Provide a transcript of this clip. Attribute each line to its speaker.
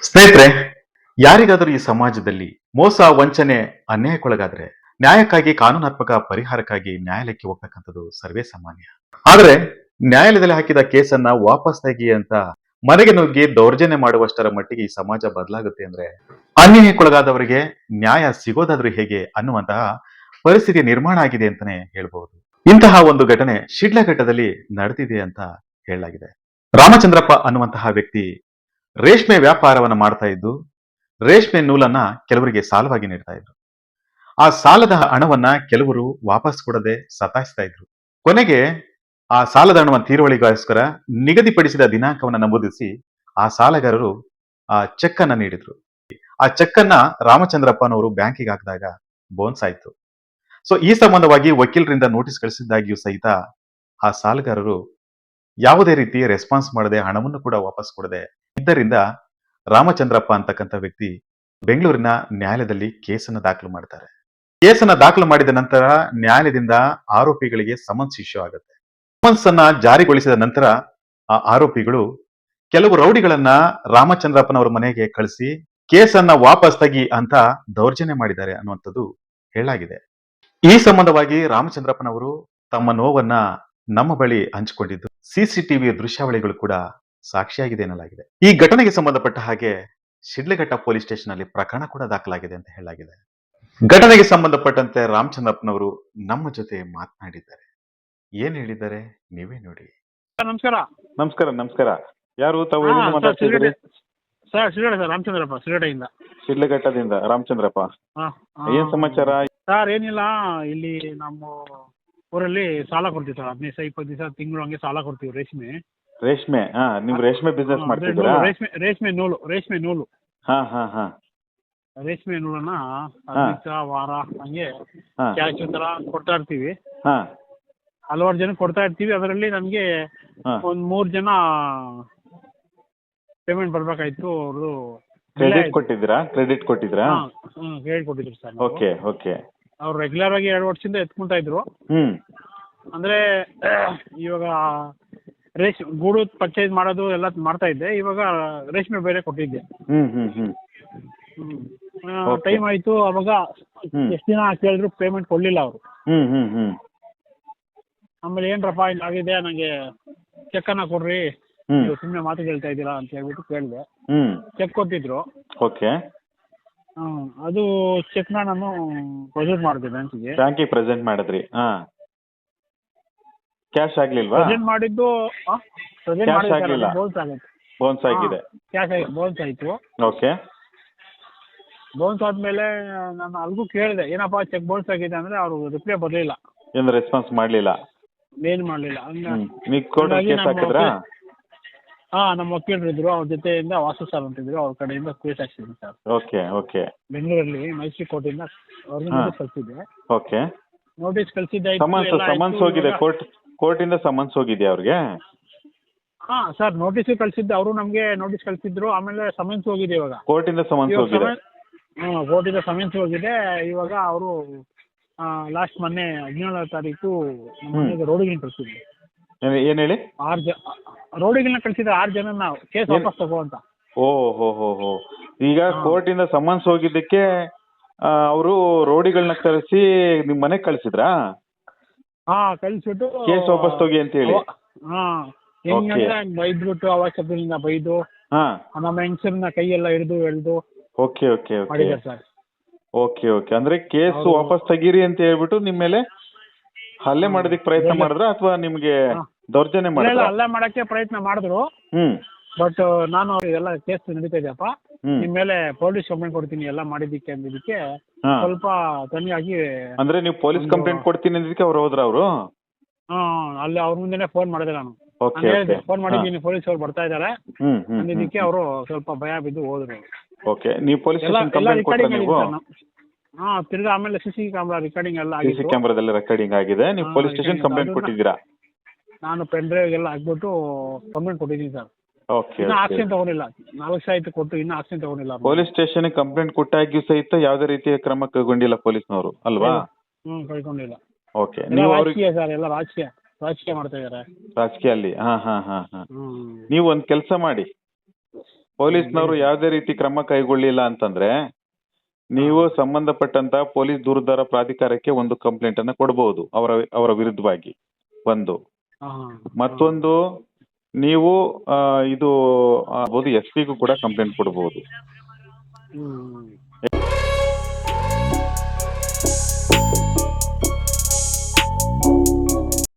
Speaker 1: ಸ್ನೇಹಿತರೆ, ಯಾರಿಗಾದರೂ ಈ ಸಮಾಜದಲ್ಲಿ ಮೋಸ, ವಂಚನೆ, ಅನ್ಯಾಯಕ್ಕೊಳಗಾದ್ರೆ ನ್ಯಾಯಕ್ಕಾಗಿ ಕಾನೂನಾತ್ಮಕ ಪರಿಹಾರಕ್ಕಾಗಿ ನ್ಯಾಯಾಲಯಕ್ಕೆ ಹೋಗ್ತಕ್ಕಂಥದ್ದು ಸರ್ವೇ ಸಾಮಾನ್ಯ. ಆದ್ರೆ ನ್ಯಾಯಾಲಯದಲ್ಲಿ ಹಾಕಿದ ಕೇಸನ್ನ ವಾಪಸ್ ತೆಗಿ ಅಂತ ಮನೆಗೆ ನುಗ್ಗಿ ದೌರ್ಜನ್ಯ ಮಾಡುವಷ್ಟರ ಮಟ್ಟಿಗೆ ಈ ಸಮಾಜ ಬದಲಾಗುತ್ತೆ ಅಂದ್ರೆ ಅನ್ಯಾಯಕ್ಕೊಳಗಾದವರಿಗೆ ನ್ಯಾಯ ಸಿಗೋದಾದ್ರೂ ಹೇಗೆ ಅನ್ನುವಂತಹ ಪರಿಸ್ಥಿತಿ ನಿರ್ಮಾಣ ಆಗಿದೆ ಅಂತಾನೆ ಹೇಳ್ಬಹುದು. ಇಂತಹ ಒಂದು ಘಟನೆ ಶಿಡ್ಲಘಟ್ಟದಲ್ಲಿ ನಡೆದಿದೆ ಅಂತ ಹೇಳಲಾಗಿದೆ. ರಾಮಚಂದ್ರಪ್ಪ ಅನ್ನುವಂತಹ ವ್ಯಕ್ತಿ ರೇಷ್ಮೆ ವ್ಯಾಪಾರವನ್ನ ಮಾಡ್ತಾ ಇದ್ದು ರೇಷ್ಮೆ ನೂಲನ್ನ ಕೆಲವರಿಗೆ ಸಾಲವಾಗಿ ನೀಡ್ತಾ ಇದ್ರು. ಆ ಸಾಲದ ಹಣವನ್ನ ಕೆಲವರು ವಾಪಸ್ ಕೊಡದೆ ಸತಾಯಿಸ್ತಾ ಇದ್ರು. ಕೊನೆಗೆ ಆ ಸಾಲದ ಹಣವನ್ನು ತೀರುವಳಿಗೋಸ್ಕರ ನಿಗದಿಪಡಿಸಿದ ದಿನಾಂಕವನ್ನು ನಮೂದಿಸಿ ಆ ಸಾಲಗಾರರು ಆ ಚೆಕ್ ಅನ್ನ ನೀಡಿದ್ರು. ಆ ಚೆಕ್ ಅನ್ನ ರಾಮಚಂದ್ರಪ್ಪನವರು ಬ್ಯಾಂಕಿಗೆ ಹಾಕಿದಾಗ ಬೋನ್ಸ್ ಆಯ್ತು. ಸೊ ಈ ಸಂಬಂಧವಾಗಿ ವಕೀಲರಿಂದ ನೋಟಿಸ್ ಕಳಿಸಿದ್ದಾಗಿಯೂ ಸಹಿತ ಆ ಸಾಲಗಾರರು ಯಾವುದೇ ರೀತಿ ರೆಸ್ಪಾನ್ಸ್ ಮಾಡದೆ ಹಣವನ್ನು ಕೂಡ ವಾಪಸ್ ಕೊಡದೆ ಇದ್ದರಿಂದ ರಾಮಚಂದ್ರಪ್ಪ ಅಂತಕ್ಕಂಥ ವ್ಯಕ್ತಿ ಬೆಂಗಳೂರಿನ ನ್ಯಾಯಾಲಯದಲ್ಲಿ ಕೇಸನ್ನು ದಾಖಲು ಮಾಡ್ತಾರೆ. ಕೇಸನ್ನ ದಾಖಲು ಮಾಡಿದ ನಂತರ ನ್ಯಾಯಾಲಯದಿಂದ ಆರೋಪಿಗಳಿಗೆ ಸಮನ್ಸ್ ಇಶ್ಯೂ ಆಗುತ್ತೆ. ಸಮನ್ಸ್ ಅನ್ನ ಜಾರಿಗೊಳಿಸಿದ ನಂತರ ಆ ಆರೋಪಿಗಳು ಕೆಲವು ರೌಡಿಗಳನ್ನ ರಾಮಚಂದ್ರಪ್ಪನವರ ಮನೆಗೆ ಕಳಿಸಿ ಕೇಸನ್ನ ವಾಪಸ್ ತೆಗಿ ಅಂತ ದೌರ್ಜನ್ಯ ಮಾಡಿದ್ದಾರೆ ಅನ್ನುವಂಥದ್ದು ಹೇಳಲಾಗಿದೆ. ಈ ಸಂಬಂಧವಾಗಿ ರಾಮಚಂದ್ರಪ್ಪನವರು ತಮ್ಮ ನೋವನ್ನ ನಮ್ಮ ಬಳಿ ಹಂಚಿಕೊಂಡಿದ್ದು ಸಿಸಿಟಿವಿ ದೃಶ್ಯಾವಳಿಗಳು ಕೂಡ ಸಾಕ್ಷಿಯಾಗಿದೆ ಎನ್ನಲಾಗಿದೆ. ಈ ಘಟನೆಗೆ ಸಂಬಂಧಪಟ್ಟ ಹಾಗೆ ಶಿಡ್ಲಘಟ್ಟ ಪೊಲೀಸ್ ಸ್ಟೇಷನ್ ಅಲ್ಲಿ ಪ್ರಕರಣ ಕೂಡ ದಾಖಲಾಗಿದೆ ಅಂತ ಹೇಳಲಾಗಿದೆ. ಘಟನೆಗೆ ಸಂಬಂಧಪಟ್ಟಂತೆ ರಾಮಚಂದ್ರಪ್ಪನವರು ನಮ್ಮ ಜೊತೆ ಮಾತನಾಡಿದ್ದಾರೆ. ಏನ್ ಹೇಳಿದ್ದಾರೆ ನೀವೇ ನೋಡಿ.
Speaker 2: ನಮಸ್ಕಾರ.
Speaker 3: ನಮಸ್ಕಾರ ನಮಸ್ಕಾರ. ಯಾರು ತಾವು ಎಲ್ಲಿಂದ ಮಾತಾಡ್ತಿದ್ದೀರಿ?
Speaker 2: ಸರ್ ಶಿರಡೆ ಸರ್, ರಾಮಚಂದ್ರಪ್ಪ ಶಿರಡೆಯಿಂದ.
Speaker 3: ಶಿಡ್ಲಘಟ್ಟದಿಂದ ರಾಮಚಂದ್ರಪ್ಪ. ಏನ್ ಸಮಾಚಾರ?
Speaker 2: ಸರ್ ಏನಿಲ್ಲ, ಇಲ್ಲಿ ನಮ್ಮ ಊರಲ್ಲಿ ಸಾಲ ಕೊಡ್ತೀವಿ ಸರ್. 15-20 ದಿವಸ ತಿಂಗಳು ಹಂಗೆ ಸಾಲ ಕೊಡ್ತೀವಿ.
Speaker 3: ರೇಷ್ಮೆ ನೀವು ರೇಷ್ಮೆ ಬಿಸ್ನೆಸ್ ಮಾಡ್ತಿದ್ದೀರಾ?
Speaker 2: ರೇಷ್ಮೆ ನೂಲು.
Speaker 3: ಹಾ ಹಾ ಹಾ.
Speaker 2: ರೇಷ್ಮೆ ನೂಲನ್ನ 15 ವಾರ ಹಂಗೆ ಕ್ಯಾಶ್ ತರ ಕೊಡ್ತಾ ಇರ್ತೀವಿ.
Speaker 3: ಹಾ.
Speaker 2: ಹಲವಾರು ಜನ ಕೊಡ್ತಾ ಇರ್ತೀವಿ. ಅದರಲ್ಲಿ ನಮ್ಗೆ ಒಂದ್ 3 ಜನ ಪೇಮೆಂಟ್ ಬರ್ಬೇಕಾಯ್ತು. ಅವರು
Speaker 3: ಕ್ರೆಡಿಟ್ ಕೊಟ್ಟಿದ್ರಾ? ಕ್ರೆಡಿಟ್ ಕೊಟ್ಟಿದ್ರು
Speaker 2: ಸರ್.
Speaker 3: Okay okay.
Speaker 2: ಅವ್ರು ರೆಗ್ಯುಲರ್ ಆಗಿ 2 ವರ್ಷದಿಂದ ಎತ್ಕೊಂತಾ ಇದ್ರು. ಅಂದ್ರೆ ಇವಾಗ ಗೂಡು ಪರ್ಚೇಸ್ ಮಾಡೋದು ಎಲ್ಲ ಮಾಡ್ತಾ ಇದ್ದೆ. ಇವಾಗ ರೇಷ್ಮೆ ಬೇರೆ ಕೊಟ್ಟಿದ್ದೆ. ಟೈಮ್ ಆಯ್ತು. ಅವಾಗ ಎಷ್ಟು ದಿನ ಕೇಳಿದ್ರು ಪೇಮೆಂಟ್ ಕೊಡ್ಲಿಲ್ಲ ಅವರು. ಆಮೇಲೆ ಏನ್ರಪ್ಪ ಹಿಂಗಾಗಿದೆ, ನಂಗೆ ಚೆಕ್ ಅನ್ನ ಕೊಡ್ರಿ, ನೀವು ಸುಮ್ಮನೆ ಮಾತು ಹೇಳ್ತಾ ಇದ್ದೀರಾ ಅಂತ ಹೇಳ್ಬಿಟ್ಟು ಕೇಳಿದೆ. ಚೆಕ್ ಕೊಟ್ಟಿದ್ರು.
Speaker 3: ಓಕೆ.
Speaker 2: ಅದು ಚೆಕ್ ನ ನಾನು ಪ್ರೆಸೆಂಟ್ ಮಾಡಿದೆ ಬ್ಯಾಂಕಿಗೆ.
Speaker 3: ಬ್ಯಾಂಕಿಗೆ ಪ್ರೆಸೆಂಟ್ ಮಾಡಿದ್ರಿ? ಕ್ಯಾಶ್ ಆಗ್ಲಿಲ್ವಾ?
Speaker 2: ಪ್ರೆಸೆಂಟ್ ಮಾಡಿದ್ದು
Speaker 3: ಕ್ಯಾಶ್ ಆಗ್ಲಿಲ್ಲ. ಬೋನ್ಸ್ ಆಗಿದೆ.
Speaker 2: ಕ್ಯಾಶ್ ಆಗಿ ಬೋನ್ಸ್ ಆಯ್ತು.
Speaker 3: ಓಕೆ.
Speaker 2: ಬೋನ್ಸ್ ಆದ್ಮೇಲೆ ನಾನು ಅಲ್ಗೂ ಕೇಳಿದೆ, ಏನಪ್ಪಾ ಚೆಕ್ ಬೋನ್ಸ್ ಆಗಿದೆ ಅಂದ್ರೆ ಅವರು ರಿಪ್ಲೈ ಬರ್ಲಿಲ್ಲ.
Speaker 3: ಏನು ರೆಸ್ಪಾನ್ಸ್ ಮಾಡ್ಲಿಲ್ಲ?
Speaker 2: ಏನ್ ಮಾಡ್ಲಿಲ್ಲ.
Speaker 3: ನೀವು ಕೋರ್ಟ್ ಕೇಸ್ ಹಾಕಿದ್ರಾ?
Speaker 2: ನಮ್ಮ ವಕೀಲರು ಇದ್ರು, ಅವ್ರ ಜೊತೆಯಿಂದ ವಾಸು ಸರ್ ಅಂತಿದ್ರು, ಅವ್ರ ಕಡೆಯಿಂದ ಕೇಸ್ ಹಾಕ್ಸಿದ್ವಿ ಸರ್.
Speaker 3: Okay okay.
Speaker 2: ಬೆಂಗಳೂರಲ್ಲಿ ಮೈಸೂರು ಕೋರ್ಟಿಂದ ಅವ್ರಿಗೆ ನೋಟಿಸ್ ಕಳ್ಸಿದ್ದೆ.
Speaker 3: ಓಕೆ.
Speaker 2: ನೋಟಿಸ್ ಕಳ್ಸಿದ್ದೆ.
Speaker 3: ಸಮನ್ಸ್ ಹೋಗಿದೆ ಕೋರ್ಟಿಂದ ಸಮನ್ಸ್ ಹೋಗಿದ್ಯಾ ಅವ್ರಿಗೆ?
Speaker 2: ಸರ್ ನೋಟಿಸ್ ಕಳ್ಸಿದ್ದೆ. ಅವರು ನಮ್ಗೆ ನೋಟಿಸ್ ಕಳ್ಸಿದ್ರು. ಆಮೇಲೆ ಸಮನ್ಸ್ ಹೋಗಿದೆ. ಇವಾಗ
Speaker 3: ಕೋರ್ಟಿಂದ ಸಮನ್ಸ್ ಹೋಗಿದೆ.
Speaker 2: ಕೋರ್ಟಿಂದ ಸಮನ್ಸ್ ಹೋಗಿದೆ. ಇವಾಗ ಅವರು ಲಾಸ್ಟ್ ಮೊನ್ನೆ 17ನೇ ತಾರೀಕು ರೋಡಿಗೆ ಕಳ್ಸಿದ್ರು.
Speaker 3: ಏನ್ ಹೇಳಿ?
Speaker 2: 6 ರೋಡಿಗಳನ್ನ ಕಳ್ಸಿದ್ರೆ 6 ಜನ ನಾವು ಕೇಸ್ ವಾಪಸ್ ತಗೋ ಅಂತ.
Speaker 3: ಓಹೋ. ಈಗ ಕೋರ್ಟಿಂದ ಸಮನ್ಸ್ ಹೋಗಿದ್ದಕ್ಕೆ ಅವರು ರೋಡಿಗಳನ್ನ ಕರೆಸಿ ನಿಮ್ ಮನೆಗ್ ಕಳ್ಸಿದ್ರಾ?
Speaker 2: ಕಳ್ಸಿಬಿಟ್ಟು
Speaker 3: ಕೇಸ್ ವಾಪಸ್ ತಗೋಗಿ ಅಂತ ಹೇಳಿ.
Speaker 2: ಹೆಂಗಂದ್ರೆ ಬೈದ್ಬಿಟ್ಟು ಅವಶ್ಯಕತೆಯಿಂದ ಬೈದು ನಮ್ಮ ಹೆಂಗಸರನ್ನ ಕೈಯೆಲ್ಲ ಹಿಡಿದು ಎಳ್ದು
Speaker 3: ಓಕೆ ಓಕೆ
Speaker 2: ಮಾಡಿದ್ದಾರೆ ಸರ್.
Speaker 3: Okay okay. ಅಂದ್ರೆ ಕೇಸ್ ವಾಪಸ್ ತೆಗೀರಿ ಅಂತ ಹೇಳ್ಬಿಟ್ಟು ನಿಮ್ ಮೇಲೆ ಹಲ್ಲೆ ಮಾಡೋದಕ್ಕೆ ಪ್ರಯತ್ನ ಮಾಡಿದ್ರ ಅಥವಾ ನಿಮ್ಗೆ ದೌರ್ಜನ್ಯ ಮಾಡಿದ್ರ?
Speaker 2: ಹಲ್ಲೆ ಮಾಡಕ್ಕೆ ಪ್ರಯತ್ನ ಮಾಡಿದ್ರು. ಬಟ್ ನಾನು ಎಲ್ಲ ಕೇಸ್ ನಡೀತಾ ಇದೆಯಪ್ಪ, ನಿಮ್ ಮೇಲೆ ಪೊಲೀಸ್ ಕಂಪ್ಲೇಂಟ್ ಕೊಡ್ತೀನಿ ಎಲ್ಲ ಮಾಡಿದ್ದಕ್ಕೆ ಅಂದಿದ್ದಕ್ಕೆ ಸ್ವಲ್ಪ ತನಿಯಾಗಿ. ಅಂದ್ರೆ
Speaker 3: ನೀವು ಪೊಲೀಸ್ ಕಂಪ್ಲೇಂಟ್ ಕೊಡ್ತೀನಿ ಅಂದಿದ್ದಕ್ಕೆ ಅವ್ರು ಹೋದ್ರ? ಅವರು
Speaker 2: ಅಲ್ಲಿ ಅವ್ರ ಮುಂದೆನೆ ಫೋನ್ ಮಾಡಿದೆ ನಾನು. ಫೋನ್ ಮಾಡಿದ್ದೀನಿ, ಪೊಲೀಸ್ ಅವ್ರು ಬರ್ತಾ ಇದಾರೆ ಅಂದಿದ್ದಕ್ಕೆ ಅವರು ಸ್ವಲ್ಪ ಭಯ ಬಿದ್ದು ಹೋದ್ರು.
Speaker 3: ಓಕೆ. ನೀವು ಪೊಲೀಸ್ ಸ್ಟೇಷನ್ ಕಂಪ್ಲೇಂಟ್ ಕೊಟ್ರಾ ನೀವು?
Speaker 2: ತಿರ್ಗಾ ಆಮೇಲೆ ಸಿಸಿ ಕ್ಯಾಮ್ರಾ ರೆಕಾರ್ಡಿಂಗ್ ಎಲ್ಲ
Speaker 3: ಸಿಸಿ ಕ್ಯಾಮ್ರಾದಲ್ಲಿ ರೆಕಾರ್ಡಿಂಗ್ ಆಗಿದೆ. ನೀವು ಪೊಲೀಸ್ ಸ್ಟೇಷನ್ ಕಂಪ್ಲೇಂಟ್ ಕೊಟ್ಟಿದ್ದೀರಾ?
Speaker 2: ನಾನು ಪೆನ್ ಡ್ರೈವ್ ಎಲ್ಲ ಹಾಕ್ಬಿಟ್ಟು ಕಂಪ್ಲೇಂಟ್ ಕೊಟ್ಟಿದ್ದೀನಿ ಸರ್.
Speaker 3: ಓಕೆ.
Speaker 2: ಇನ್ನು ಆಕ್ಷನ್ ತಗೊಂಡಿಲ್ಲ. 4 ವರ್ಷ ಆಯ್ತು ಕೊಟ್ಟು, ಇನ್ನು ಆಕ್ಷನ್ ತಗೊಂಡಿಲ್ಲ.
Speaker 3: ಪೊಲೀಸ್ ಸ್ಟೇಷನ್ ಕಂಪ್ಲೇಂಟ್ ಕೊಟ್ಟಾಗಿಯೂ ಸಹಿತ ಯಾವುದೇ ರೀತಿಯ ಕ್ರಮ ಕೈಗೊಂಡಿಲ್ಲ ಪೊಲೀಸ್ನವರು ಅಲ್ವಾ? ಕೈಗೊಂಡಿಲ್ಲ. ಓಕೆ. ನೀವು
Speaker 2: ರಾಜಕೀಯ ಸರ್, ಎಲ್ಲ ರಾಜಕೀಯ ಮಾಡ್ತಾ ಇದಾರೆ.
Speaker 3: ರಾಜಕೀಯ ಅಲ್ಲಿ ನೀವು ಒಂದ್ ಕೆಲಸ ಮಾಡಿ, ಪೊಲೀಸ್ನವರು ಯಾವುದೇ ರೀತಿ ಕ್ರಮ ಕೈಗೊಳ್ಳಿಲ್ಲ ಅಂತಂದ್ರೆ ನೀವು ಸಂಬಂಧಪಟ್ಟಂತ ಪೊಲೀಸ್ ದೂರದಾರ ಪ್ರಾಧಿಕಾರಕ್ಕೆ ಒಂದು ಕಂಪ್ಲೇಂಟ್ ಅನ್ನ ಕೊಡಬಹುದು ಅವರ ವಿರುದ್ಧವಾಗಿ. ಒಂದು ಮತ್ತೊಂದು ನೀವು ಇದು ಎಸ್ ಪಿಗೂ ಕೂಡ ಕಂಪ್ಲೇಂಟ್ ಕೊಡಬಹುದು.